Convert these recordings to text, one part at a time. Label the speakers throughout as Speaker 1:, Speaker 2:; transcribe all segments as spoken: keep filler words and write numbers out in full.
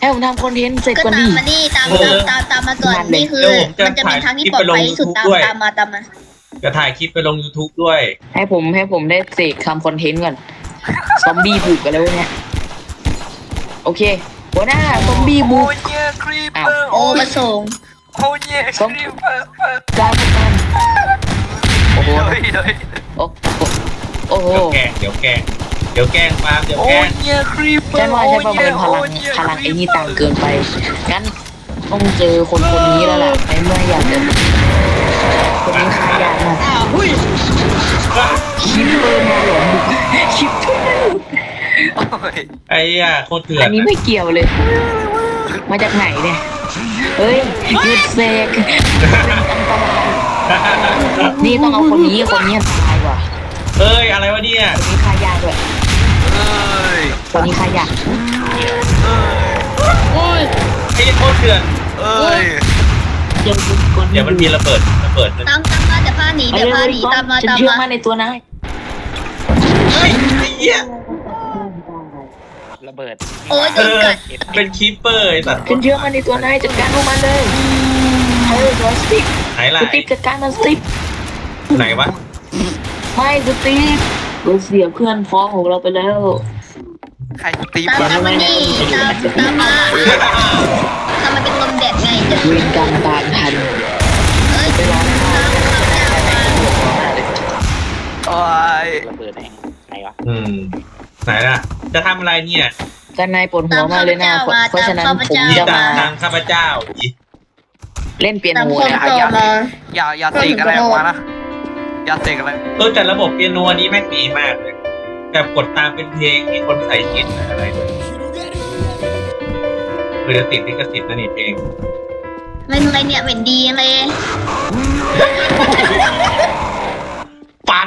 Speaker 1: ให้ผมทำคอนเทนต์เสร็จ
Speaker 2: ก็
Speaker 1: ก่อน
Speaker 2: ตา
Speaker 1: ดิ
Speaker 2: มมานี่ตามตามตามตามมาก่อนนี่คือมันจะเป็นทางที่ปลอดภัยที่สุดตามตามมาตามมา
Speaker 3: จะถ่ายคลิปไปลง YouTube ด้วย
Speaker 1: ให้ผมให้ผมได้เสกทำคอนเทนต์ก่อนซอมบี้บุกกันแล้วเนี่ยโอเคหัวหน้าซอมบี้บุ
Speaker 4: โอ้
Speaker 1: ก
Speaker 4: ยเนี่ยครีป
Speaker 1: อ้า
Speaker 4: เป
Speaker 1: ว
Speaker 4: อร์
Speaker 2: โอ้มาส่ง
Speaker 4: โอ้ยเนี่ยครีปเปอร์
Speaker 1: การจัดการโอ้โห
Speaker 4: เฮ้ยเฮ้ย
Speaker 1: โอ้โหโอ้โห
Speaker 3: เดี๋ยวแกล้งเดี๋ยวแกล้งเดี๋ยวแกล้งปาล์มเดี๋ยว
Speaker 4: โอ้
Speaker 3: แกล้
Speaker 4: ย
Speaker 3: ง
Speaker 4: เนี่ยครีปเปอร์
Speaker 1: ฉันว่าใช้ประเมินพลังพลังไอ้นี่ต่างเกินไปงั้นต้องเจอคนคนนี้แล้วล่ะในเมื่ออยากจะคนนี้ขายากมาก
Speaker 2: อ้าวหุ้ย
Speaker 1: คิปเปอร์มาหลอมบุกคิปเปอร์
Speaker 4: โอ้ย
Speaker 3: ไอ้ย่าโคตรเถื่อน
Speaker 1: อันนี้ไม่เกี่ยวเลย มาจากไหนเนี่ยเฮ้ยหยุดเสกนี่ต้องเอาคนนี้คนนี้ตายว่ะ
Speaker 3: เอ้ยอะไรวะเนี่ย
Speaker 1: คนนี้ขายากด้วย
Speaker 4: เอ้ย
Speaker 1: คนนี้ขายาก
Speaker 2: โอ้ย
Speaker 3: ไอ้โคตรเถื่อน
Speaker 4: เอ้ย
Speaker 1: เดี๋ยวคน
Speaker 3: เดี๋ยวมันมีระเบิดระเบิด
Speaker 2: ตามตามมาเดี๋ยวพาหนีเดี๋ยวพาหนีตามมา
Speaker 1: ฉัน
Speaker 2: ตาม
Speaker 1: เชื่อ
Speaker 2: มา
Speaker 1: มั่นในตัวนาย
Speaker 3: เฮ้ยไอ้เหี้ย
Speaker 1: ระเบิด
Speaker 2: โอ้ยโด
Speaker 3: เอน อ
Speaker 2: กัด
Speaker 3: เป็นคีปเปอร์ไอ้สัตว์
Speaker 1: ฉันเชื่อมั่นในตัวนายจัดการพวกมันเลยเออตัวสติ๊ก
Speaker 3: ไหนล่ะ
Speaker 1: สติ๊กจัดการมันสติ๊ก
Speaker 3: ไหนวะ
Speaker 1: ไม่สติ๊กเราเสียเพื่อนพ้องของเราไปแล้ว
Speaker 4: ใครตี
Speaker 2: ตาม
Speaker 4: บ้า
Speaker 2: ตามมานี่ตามตามมาตามมาเป็นลมแดดไงเดี๋ยว
Speaker 1: เวรกรรมตามทัน
Speaker 2: เอ้ย
Speaker 1: ไปร้องไห้
Speaker 2: ตามตามตามมา
Speaker 4: โอ้ย
Speaker 1: ระเบิดแม่งไหนวะ
Speaker 3: อืมไหนล่ะ จะทำอะไรเนี่ย
Speaker 1: กันนายปวดหัวมากเลยนะเพราะฉะนั้นผม
Speaker 3: นี่
Speaker 1: จะ
Speaker 3: ตาม
Speaker 1: มา
Speaker 3: ตามข้าพเจ้าอี
Speaker 1: เล่นเปีย
Speaker 2: ตาม
Speaker 1: โน
Speaker 2: คน
Speaker 1: นะ
Speaker 2: ต่อมา
Speaker 4: อย่าอย่าเสกอะไรออกมานะอย่าเสกอะไร
Speaker 3: เออแต่ระบบเปียโนอันนี้แม่งดีมากเลยแบบกดตามเป็นเพลงมีคนใส่กินอะไรด้วยคือจะติดลิขสิทธิ์นะนี่เพลง
Speaker 2: ไม่เป็นไรเนี่ยเป็นดีเลย
Speaker 3: ปัน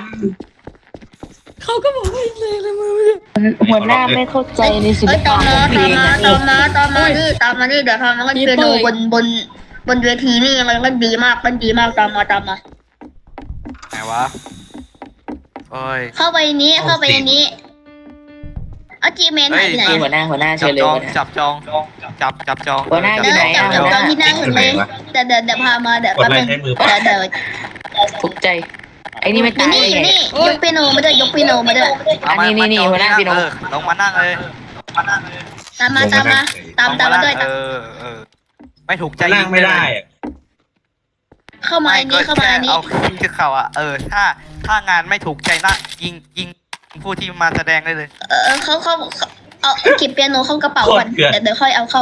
Speaker 1: หัวหน้าไม่เข้าใจในศิล
Speaker 2: เอ้ย
Speaker 1: ปะ
Speaker 2: ตาม
Speaker 1: ข
Speaker 2: มา
Speaker 1: องเพล
Speaker 2: ตาม
Speaker 1: ง
Speaker 2: มา
Speaker 1: นะ
Speaker 2: ตามมาตามมานี่ตามมานี่เดี๋ยวทำมันก็เปียโนบนบนบนเวทีนี่มันก็ดีมากมันดีมากตามมาตามมา
Speaker 4: ไหนวะโอ้ย
Speaker 2: เข้าไปนี้เข้าไปในนี้เอาจีเมนหายไปไหน
Speaker 1: นี่หัวหน้าหัวหน้า
Speaker 4: จั
Speaker 1: เชิ
Speaker 4: บ
Speaker 1: ญเลย
Speaker 4: จอง
Speaker 1: หัวหน้า
Speaker 4: จับจองจับจับจอง
Speaker 1: หัวหน้าอยู่ไหน
Speaker 2: จับ
Speaker 1: อะ
Speaker 2: จับจองที่นั่งเลยเดี๋ยวเดี๋ยวเดี๋ยวพามาเดี๋ยว
Speaker 3: กด
Speaker 2: แป๊บ
Speaker 3: อะไร
Speaker 2: นึง
Speaker 3: ใช้มือ
Speaker 2: เดี๋ยวเดี๋ยว
Speaker 1: ทุกใจไอ้นี่ไม่
Speaker 2: อยู่
Speaker 1: ตาย
Speaker 2: นี่อยู่
Speaker 1: ไง
Speaker 2: นี่ยกเปียโนมาด้วยยกเปียโนมาด้วย
Speaker 4: เอามา
Speaker 1: อันนี้นี่
Speaker 4: มาจอง
Speaker 1: หัวหน้า
Speaker 4: ที่
Speaker 1: พี่น้อง
Speaker 4: เออลงมานั่งเลย
Speaker 2: ตามมาตามมาตามตามมาด้วย
Speaker 4: เอ
Speaker 2: ตาม
Speaker 4: อเออไม่ถูกใจ
Speaker 3: จะนั่งไม่ได้อะ
Speaker 2: เข้ามา
Speaker 4: ไม่
Speaker 2: อัน
Speaker 4: ก็
Speaker 2: นี้เข้ามา
Speaker 4: แค่
Speaker 2: อันนี้
Speaker 4: เอาคือเขาอ่ะเออถ้าถ้างานไม่ถูกใจนะยิงยิงผู้ที่มาแสดงได้เลย
Speaker 2: เออเขาเขาเขาเอาเก็บเปียโนเข้ากระเป๋าก่อนเดี๋ยวเดี๋ยวค่อยเอาเข้า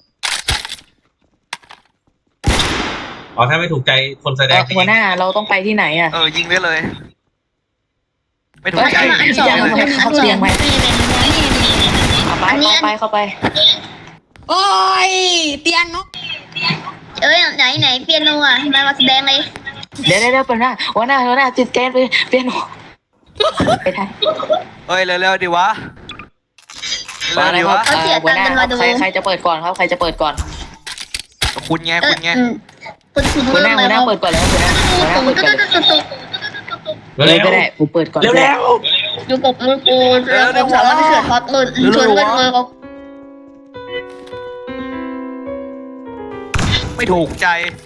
Speaker 3: อ๋อถ้าไม่ถูกใจคนแสด
Speaker 1: เอ่อง หัวหน้าเราต้องไปที่ไหนอ่ะ
Speaker 4: เออยิงได้เลย ไม่ถูก
Speaker 2: มา
Speaker 4: ใจ
Speaker 2: อันสอง
Speaker 1: ยั
Speaker 2: อั
Speaker 1: ง
Speaker 2: น
Speaker 1: ไม่
Speaker 2: สอง
Speaker 1: เข้าเตียงไหม
Speaker 2: นี่เลยนี่นี่นี่
Speaker 1: เข้าไป
Speaker 2: อันนี้
Speaker 1: เข้าไปเข้าไป
Speaker 5: โอ้ยเตียนเนาะ
Speaker 2: เอ้ยไหนไหนเปียโนอ่ะมามาแสดงเลย
Speaker 1: เดี๋ยวเดี๋ยวเดี๋ยวหัวหน้าหัวหน้าหัวหน้าติดแกนไปเปียโนไปทาง
Speaker 4: เอ้ยเร็วๆดิวะ
Speaker 1: มา
Speaker 4: เร็ว
Speaker 1: แล้ว
Speaker 4: ๆ
Speaker 1: ค
Speaker 4: ดิ
Speaker 1: รับ
Speaker 4: วะ
Speaker 1: เอ่อหัวหน้าครับใครใครจะเปิดก่อนครับใครจะเปิดก่อน
Speaker 4: คุณไง
Speaker 2: เอ
Speaker 4: คุ
Speaker 2: อ
Speaker 4: ณไง
Speaker 2: อืมคุณคุณ
Speaker 1: หัว
Speaker 2: เริ่
Speaker 1: ห
Speaker 2: ม
Speaker 1: น้า
Speaker 2: เล
Speaker 1: หัวย หน้าเปิดก่อนแล้วหัวหน้าหัวหน้าเปิดก่อนเลย เลยก็ได้ผมเปิดก่อน
Speaker 3: เร็ว
Speaker 1: ก็ได้
Speaker 3: เร็ว
Speaker 2: อยู่กับมือกูแล้วผมสามารถไปเสือพอดเลยชวนเล่นเลยเขา
Speaker 4: ไม่ถูกใจ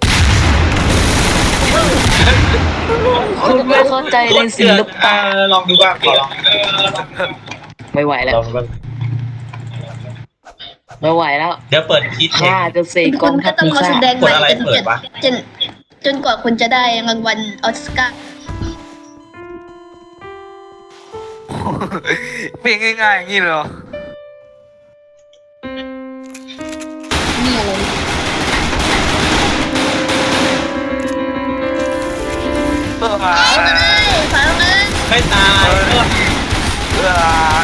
Speaker 1: คุณไม่เข้าใจในศิลปะ
Speaker 3: เออลองดูบ้างขอลอง
Speaker 1: ไม่ไหวแล้ว
Speaker 3: ลองดูบ้าง
Speaker 1: ไม่ไหวแล้ว
Speaker 3: เดี๋ยวเปิดคิดเพล
Speaker 1: ข้าง จะเสกก
Speaker 2: คุ
Speaker 1: อ
Speaker 2: ณ
Speaker 1: งทั
Speaker 2: ก็
Speaker 1: พ
Speaker 2: ต้อง
Speaker 1: พิ
Speaker 2: มา
Speaker 1: ฆา
Speaker 2: แส
Speaker 1: ต
Speaker 2: ดงใหม่จน
Speaker 3: กดอะไรเปิดวะ
Speaker 2: จนจนกว่าคุณจะได้รางวัลออสการ์
Speaker 4: เพลงง่ายๆอย่างนี้เลยเหรอ
Speaker 2: นี่อะไร
Speaker 4: เออมา
Speaker 2: เอามาเลยฟังเลย
Speaker 3: ไม่ตายเออ
Speaker 4: เออ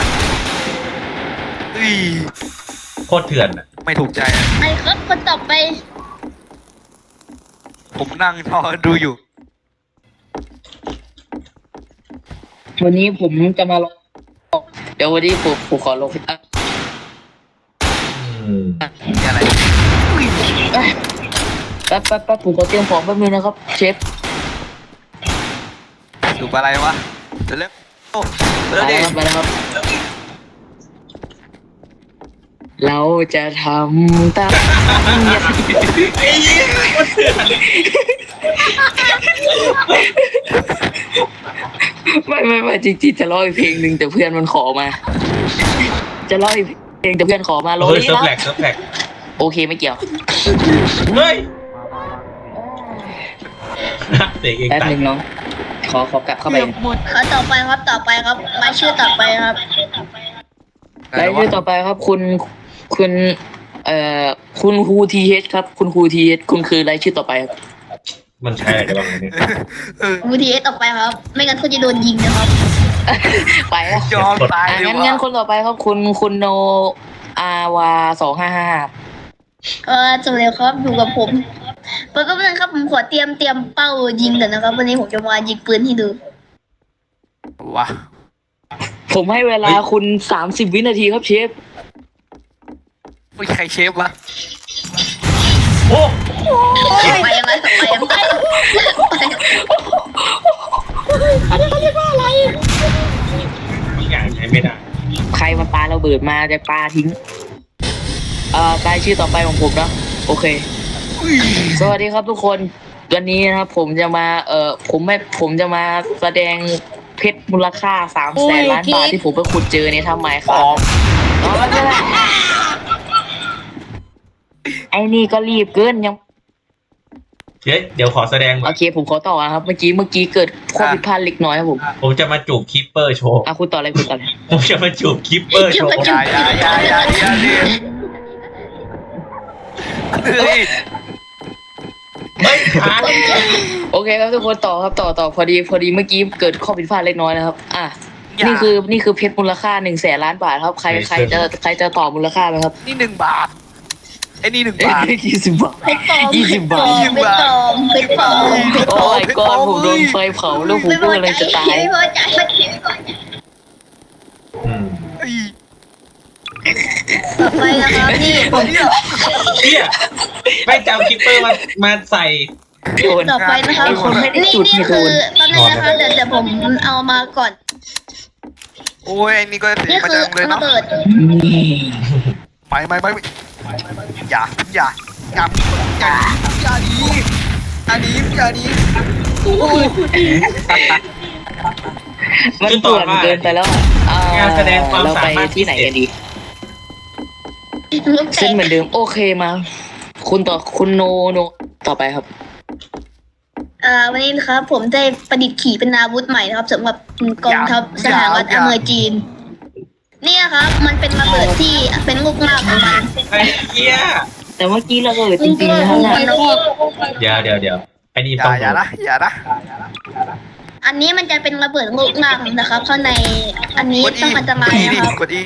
Speaker 4: อุ้ย
Speaker 3: โคตรเถื่อนอ่ะ
Speaker 4: ไม่ถูกใจอะ
Speaker 2: ไอ้ครับคนต่อไป
Speaker 4: ผมนั่งทอดูอยู่
Speaker 1: วันนี้ผมจะมาลองเดี๋ยววันนี้ผมผมขอลงอ่ะ
Speaker 3: อืม
Speaker 4: อะไร
Speaker 1: แป๊บแป๊บแป๊บผมขอเตรียมของแป๊บนึงนะครับเชฟ
Speaker 4: ดูอะไรวะเร็วๆโอ้
Speaker 1: ไป
Speaker 4: เร็ว
Speaker 1: แล้
Speaker 4: ดิ
Speaker 1: วครับไปแล้วครับเราจะทำตามสัญญา
Speaker 3: ไอ้เหี้ยโคตรเถื่อน
Speaker 1: ไม่ไม่ไม่จริงๆจะร้องอีกเพลงหนึ่งแต่เพื่อนมันขอมา จะร้องอีกเพลงแต่เพื่อนขอมาร้อง
Speaker 3: เฮ้ย
Speaker 1: นี่
Speaker 3: เซิร์ฟ
Speaker 1: นะ
Speaker 3: แหลกเซิร์ฟแหลก
Speaker 1: โอเคไม่เกี่ยว
Speaker 3: เฮ้ยเตะเอง
Speaker 1: แป๊บ
Speaker 3: ตาย
Speaker 1: นึงน้องขอขอกลับเข้าไป
Speaker 2: ครับต่อไปครับต่อไปครับรายชื่อต่อไปครับ
Speaker 1: รายชื่อต่อไปครับคุณคุณเอ่อคุณครูทีเฮครับ คุณครูทีเฮคุณคือรายชื่อต่อไปครับ
Speaker 3: มันใช่อะไรกันบ้างเนี่ย
Speaker 2: บูทีเอสต่อไปครับ ไม่งั้นเขาจะโดนยิงนะครับ
Speaker 1: ไปแล้ว
Speaker 4: ยอมตาย
Speaker 1: อ่ะ
Speaker 4: เลย
Speaker 1: งั้น
Speaker 4: ว่ะ
Speaker 1: งั้นคนต่อไปครับคุณคุณโนอาวาสองห้าห้า
Speaker 2: เออจบเลยครับอยู่กับผมแป๊บนึงครับผมขอเตรียมเตรียมเป้ายิงเดี๋ยวนะครับ วันนี้ผมจะมายิงปืนให้ดู
Speaker 4: ว่ะ
Speaker 1: ผมให้เวลาคุณสามสิบวินาทีครับเชฟ
Speaker 4: ไม่ใครเชฟวะ
Speaker 3: โอ้
Speaker 2: ไปยังไงไปยังไง
Speaker 3: ทุกอย่างใช้ไม่ได้
Speaker 1: ใครมาปาระเบิดมาจะปาทิ้ง เอ่อรายชื่อต่อไปของผมนะโอเค สวัสดีครับทุกคนวันนี้นะครับผมจะมาเอ่อผมไม่ผมจะมาแสดงเพชรมูลค่าสามแสนล้านบาทที่ผมไปขุดเจอในทำไมค
Speaker 4: อ๋
Speaker 1: รั
Speaker 4: อบ
Speaker 1: อ๋อไม่เป็นไรไอ้นี่ก็รีบเกินยัง
Speaker 3: เดี๋ยวเดี๋ยวขอแสดงก่
Speaker 1: โอ
Speaker 3: อน
Speaker 1: เคผมขอต่อนะครับ เมื่อกี้เมื่อกี้เกิดข้อผิดพลาดเล็กน้อยครับผม
Speaker 3: ผมจะมาจูบคิปเปอร์โชว์
Speaker 1: อ่ะคุณต่อเลยคุณต่อเลย
Speaker 3: ผมจะมาจูบคิปเปอร์โชว์
Speaker 4: อย่าอย่าอย่าอย่าอย่าดิเฮ้ย
Speaker 3: เฮ้ยค้าง
Speaker 1: โอเคครับทุกคนต่อครับต่อต่อพอดีพอดีเมื่อกี้เกิดข้อผิดพลาดเล็กน้อยนะครับ อ่ะ
Speaker 4: อย่า
Speaker 1: นี่คือนี่คือเพชรมูลค่าหนึ่งแสนล้านบาทครับใครใครจะใครจะต่อมูลค่าไหมครับ
Speaker 4: นี่หนึ่งบาทไอ้นี่หนึ่ง
Speaker 1: เอ้
Speaker 4: บาท
Speaker 1: ยยี่สิบบาท
Speaker 2: เพชรปลอม
Speaker 1: ยี่สิบบาท
Speaker 2: เพชรปลอมเพชรปลอมเพชรปลอม
Speaker 1: โอ้ยก้อนผมโดนไฟเผาแล้วผมก็เลยจะตาย
Speaker 2: ไม่พอใจไม่พอใจ
Speaker 3: อืม
Speaker 4: เฮ้ย
Speaker 2: ต่อไปนะครับนี่ผม
Speaker 3: เฮียไม่จำคิปเปอร์มามาใส่
Speaker 1: โดน
Speaker 2: ต่อไปนะครับ
Speaker 1: ไอ้คนไม่ได้
Speaker 2: นี่
Speaker 1: จุด
Speaker 2: นี่
Speaker 1: ให้โด
Speaker 2: คือน ตอนนี้นะคะเดี๋ยวเดี๋ยวผมเอามาก่อน
Speaker 4: โอ้ยไอ้นี่ก็เสีย
Speaker 2: นี่
Speaker 4: มา
Speaker 2: คือ
Speaker 4: จังเลย
Speaker 2: ระ
Speaker 4: เนาะ
Speaker 2: เบิด
Speaker 1: นี่
Speaker 4: ไปไปไปอย่าอย่าอย่าอย่าอย่าดีอย่าดีอย่าดี
Speaker 1: มันป่วนเกินไปแล้วอ่ะอ่าง
Speaker 3: านแสดงความ
Speaker 1: เรา
Speaker 3: สา
Speaker 1: ไป
Speaker 3: มารถ
Speaker 1: ที่ไหนกันดี
Speaker 2: ลูกแต
Speaker 1: เส้น
Speaker 2: ก
Speaker 1: เหมือนเดิมโอเคมา คุณต่อคุณโนโนต่อไปครับ
Speaker 2: อ่าวันนี้นะครับผมได้ประดิษฐ์ขี่เป็นอาวุธใหม่นะครับสำหรับกองทัพสหรัฐอเมริกาจีนนี่นะครับ มันเป็นระเบิดที่เป็นลูกหน้าของมัน
Speaker 3: ไอ้เฮีย
Speaker 1: แต่เมื่อกี้เราเกิดจริงๆนะครับเนี่ย
Speaker 3: เดี๋ยวเดี๋ยวเดี๋ยวไอ้นี่
Speaker 4: อย่า
Speaker 3: ต้อง
Speaker 4: อย่านะอย่านะ
Speaker 2: อันนี้มันจะเป็นระเบิดลูกหน้านะครับข้างในอันนี้
Speaker 4: กดอี
Speaker 2: ต้องอันตราย
Speaker 4: กดอีดิ
Speaker 2: นะครับ
Speaker 4: กดอี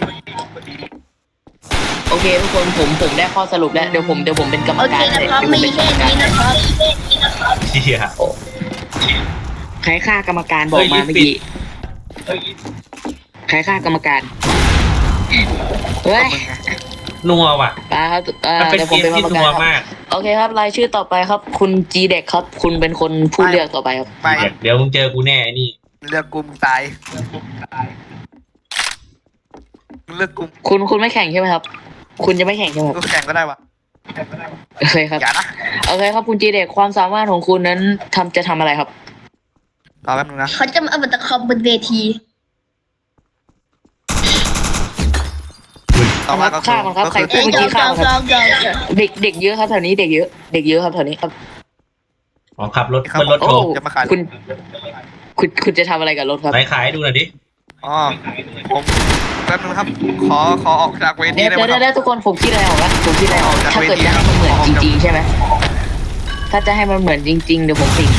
Speaker 1: โอเคทุกคนผมผมได้ข้อสรุปแล้วเดี๋ยวผมเดี๋ยวผมเป็นกรรม
Speaker 2: โอเค
Speaker 1: การ
Speaker 2: นะ
Speaker 1: เลย
Speaker 2: ครับ
Speaker 1: เดี๋ยวผม
Speaker 2: มี
Speaker 1: เป็นกร
Speaker 2: แค่
Speaker 1: รมการ
Speaker 2: นี้นะครับ
Speaker 3: เฮีย
Speaker 1: ใครฆ่ากรรมการบอกมาเมื่อกี้
Speaker 3: เฮ้ย
Speaker 1: ใครฆ่ากรรมการเฮ้ย
Speaker 3: นัวว่ะ
Speaker 1: ปาครับเอ่อ
Speaker 3: มันเป็น
Speaker 1: เดี๋ยวผ
Speaker 3: เก
Speaker 1: ม
Speaker 3: ม
Speaker 1: เป็นกร
Speaker 3: ที่
Speaker 1: รม
Speaker 3: นั
Speaker 1: กาว รครับ
Speaker 3: มาก
Speaker 1: โอเคครับรายชื่อต่อไปครับ คุณจีเด็กครับ คุณเป็นคนผู้เลือกต่อไปครับ
Speaker 4: ไป
Speaker 3: เดี๋ยวมึงเจอกูแน่ไอ้นี่
Speaker 4: เลือกกลุ่มตายเลือกกลุ่ม
Speaker 1: คุณคุณไม่แข่งใช่ไหมครับ คุณจะไม่แข่งใช่ไหมครับ
Speaker 4: กูแข่งก็ได้วะ
Speaker 1: โอเคครับ
Speaker 4: อย่านะ
Speaker 1: โอเคครับคุณจีเด็กความสามารถของคุณนั้นทำจะทำอะไรครับ
Speaker 4: รอแป๊บนึงนะ
Speaker 2: เขาจะมาเอาบัตรคอมบนเวที
Speaker 4: ต่อมาก็คือ
Speaker 1: ฆ่ามันครับ
Speaker 4: ก็
Speaker 1: ใคร
Speaker 4: คือ
Speaker 1: พูดเมื่อกี้ฆ่ามันครับ
Speaker 2: ยอมยอมยอม
Speaker 1: เด็กเด็กเยอะครับแถวนี้เด็กเยอะเด็กเยอะครับแถวนี้ครับ
Speaker 3: อ๋อขับรถขึ้นรถ
Speaker 1: โอ้
Speaker 3: โชว์
Speaker 4: จะมาขาย
Speaker 1: คุณ คุณคุณจะทำอะไรกับรถครับ
Speaker 3: ไหนขายให้ดูหน่อยดิ
Speaker 4: อ๋อผมแป๊บนึงครับ ขอขอออกจากเวที
Speaker 1: เดี๋ยว
Speaker 4: ได้ไหม
Speaker 1: เดี๋ยว
Speaker 4: ค
Speaker 1: เดี๋
Speaker 4: รั
Speaker 1: ยว
Speaker 4: บ
Speaker 1: ทุกคนผมคิดอะไรออกแล้วผมคิดอะไรออก
Speaker 4: จาก
Speaker 1: ถ้าเกิด
Speaker 4: เวที
Speaker 1: จะให้มันเหมือน
Speaker 4: ออก
Speaker 1: จ
Speaker 4: จาก
Speaker 1: ริงๆใช่ไหมถ้าจะให้มันเหมือนจริง ๆ เดี๋ยวผมติด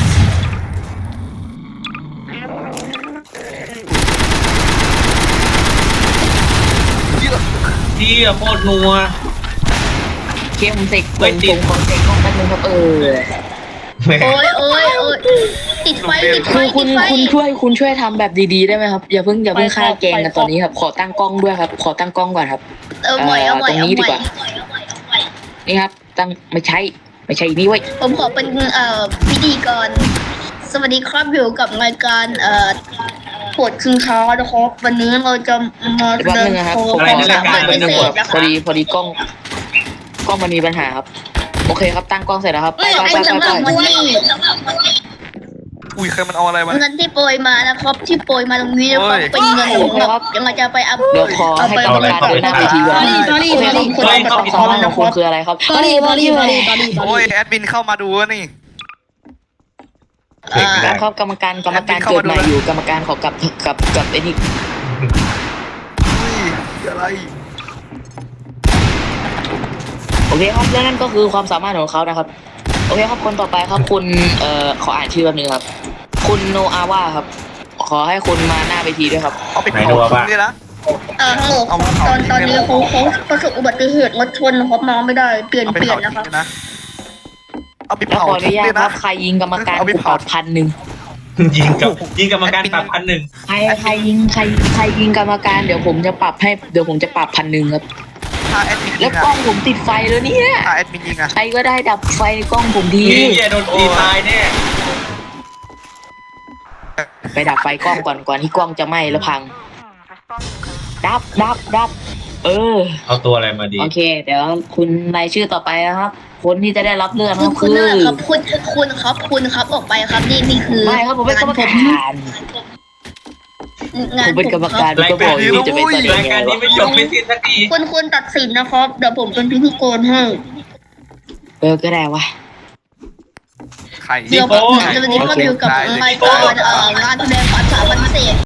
Speaker 3: เฮียโคตรนัว
Speaker 1: เคมเสก
Speaker 3: เฮ้
Speaker 1: ผม
Speaker 3: ยติด
Speaker 1: ผมขอเสกห้องแป๊บนึงครับเออ
Speaker 3: แม่ง
Speaker 2: โอ้ยโอ้ยโอ้ยติดไฟติดไฟ
Speaker 1: คือคุ
Speaker 2: ติ
Speaker 1: ณ
Speaker 2: ดไฟ
Speaker 1: คุณช่วยคุณช่วยทำแบบดีๆได้ไหมครับอย่าเพิ่งอย่าเพิ่งฆ่าแกงกันตอนนี้ครับขอตั้งกล้องด้วยครับ ขอตั้งกล้องก่อนครับ
Speaker 2: เออใหม่เอาใหม่
Speaker 1: ตรง
Speaker 2: เอา
Speaker 1: นี้ดี
Speaker 2: ใหม่
Speaker 1: กว่า นี่ครับ ตั้งไม่ใช่ไม่ใช่นี่เว้ย
Speaker 2: ผมขอเป็นเอ่อพิธีกรสวัสดีครับอยู่กับรายการเอ่อปวดคืนเช้านะครับวันนี้เราจะมาแส
Speaker 1: แป๊บ
Speaker 2: ดง
Speaker 1: นึงนะครับ
Speaker 2: โชว์
Speaker 1: ผม
Speaker 2: ค
Speaker 1: ข
Speaker 2: วา
Speaker 1: อ
Speaker 2: ม
Speaker 1: ตั้
Speaker 2: สาง มารถ
Speaker 1: กล้อง
Speaker 2: พิ
Speaker 1: นิดนึง
Speaker 2: เศ
Speaker 1: ค
Speaker 2: ษ
Speaker 1: รับ
Speaker 2: นะ
Speaker 1: พ
Speaker 2: ค
Speaker 1: อ
Speaker 2: รับ
Speaker 1: ดีพอดีกล้องกล้องมันมีปัญหาครับโอเคครับตั้งกล้องเสร็จแล้วครับไป
Speaker 2: เอ้ย
Speaker 1: ไปไป
Speaker 2: สำห
Speaker 1: ไป
Speaker 2: รับวันนี้
Speaker 4: อุ้ยเคยมันเอาอะไรมา
Speaker 2: เงินที่โปรยมานะครับ ที่โปรยมาตรงนี้นะครับ
Speaker 4: เฮ้ย
Speaker 2: เป็นเงินของเรายังไงจะไปอัพ
Speaker 1: เดี๋ยวขอให้กรรมการเดินหน้าเวทีก่อน
Speaker 5: สอรี่สอรี่
Speaker 1: คุณ
Speaker 5: สอรี่
Speaker 1: คุณความสามารถของคุณคืออะไรครับ
Speaker 5: สอรี่สอรี่สอรี่สอรี่สอ
Speaker 4: โอ้ย
Speaker 5: รี่
Speaker 4: แอดมินเข้ามาดูแล้วนี่
Speaker 3: เด็กไม่ได้
Speaker 1: ครับกรรมการกรรมการเกิดใหม่อยู่กรรมการขอกลับกับกับไอ้นี่
Speaker 4: อุ้ยอะไร
Speaker 1: โอเคครับและนั่นก็คือความสามารถของเขานะครับโอเคครับคนต่อไปครับคุณเอ่อขออ่านชื่อแป๊บนึงครับคุณโนอาว่าครับขอให้คุณมาหน้าเวทีด้วยครับ
Speaker 4: เอาไปเผาทิ้งเลยนะ
Speaker 2: เอ่อฮัลโหล
Speaker 4: เอาเอา
Speaker 2: ตอนตอนนี้เขาเขาประสบอุบัติเหตุรถชนนะครับมาไม่ได้เปลี่ยน
Speaker 4: เอาไป
Speaker 2: เปลี่ย
Speaker 4: เผาน
Speaker 2: นะค
Speaker 4: ทิ้
Speaker 2: รับ
Speaker 4: งเลยนะเอาไป
Speaker 1: แล้ว
Speaker 4: เผา
Speaker 1: ขออนุ
Speaker 4: ทิ้ง
Speaker 1: ญา
Speaker 4: เล
Speaker 1: ต
Speaker 4: ย
Speaker 1: ค
Speaker 4: นะ
Speaker 1: รับใครยิงกรรมการ
Speaker 4: เอาไป
Speaker 1: กูป
Speaker 4: เผา
Speaker 1: รับพันหนึ่ง
Speaker 3: ยิงกับยิงกรรมการปรับพันหนึ่ง
Speaker 1: ใครใครยิงใครใครยิงกรรมการเดี๋ยวผมจะปรับให้เดี๋ยวผมจะปรับพันหนึ่งครับ
Speaker 4: ถ้าแอดมิน
Speaker 1: แล้
Speaker 4: ยิ
Speaker 1: ว
Speaker 4: งอะ
Speaker 1: กล้องผมติดไฟแล้วเนี่ย
Speaker 4: ถ้าแอดมินยิงอะ
Speaker 1: ใครก็ได้ดับไฟในกล้องผมที
Speaker 3: นี่อย่าโดนตีตายแน่
Speaker 1: ไปดับไฟกล้องก่อนก่อนที่กล้องจะไหม้แล้วพัง ดับดับดับเออ
Speaker 3: เอาตัวอะไรมาดี
Speaker 1: โอเค เดี๋ยวคุณรายชื่อต่อไปนะครับ คนที่จะได้รับเลือก
Speaker 2: คุ
Speaker 1: ก็
Speaker 2: ณคุ
Speaker 1: คื
Speaker 2: ณ
Speaker 1: อ
Speaker 2: นั่นแหละครับคุณคุณครับคุณครับออกไปครับนี่นี่คือ
Speaker 1: ไม่ครับผมเป็นกรรมการ
Speaker 2: งา
Speaker 1: ผ
Speaker 2: น
Speaker 1: มเป็นกรรมการ
Speaker 3: ราย
Speaker 1: ก็บ
Speaker 3: กา
Speaker 1: อ
Speaker 3: ร
Speaker 1: กอ
Speaker 3: นี้
Speaker 1: ยู่จะเป็นตอน
Speaker 3: ราย
Speaker 1: นี้
Speaker 3: การนี้ไม่จบไม่สิ้นสักที
Speaker 2: คุณคุณตัดสินนะครับเดี๋ยวผมเป็นพิธีกรให้
Speaker 1: เออก็ได้วะ
Speaker 4: ไข่
Speaker 2: เดี๋ยวผมจะวันนี้ก็อยู่กับรายการเอ่องานแสดงความสามารถพิเศษ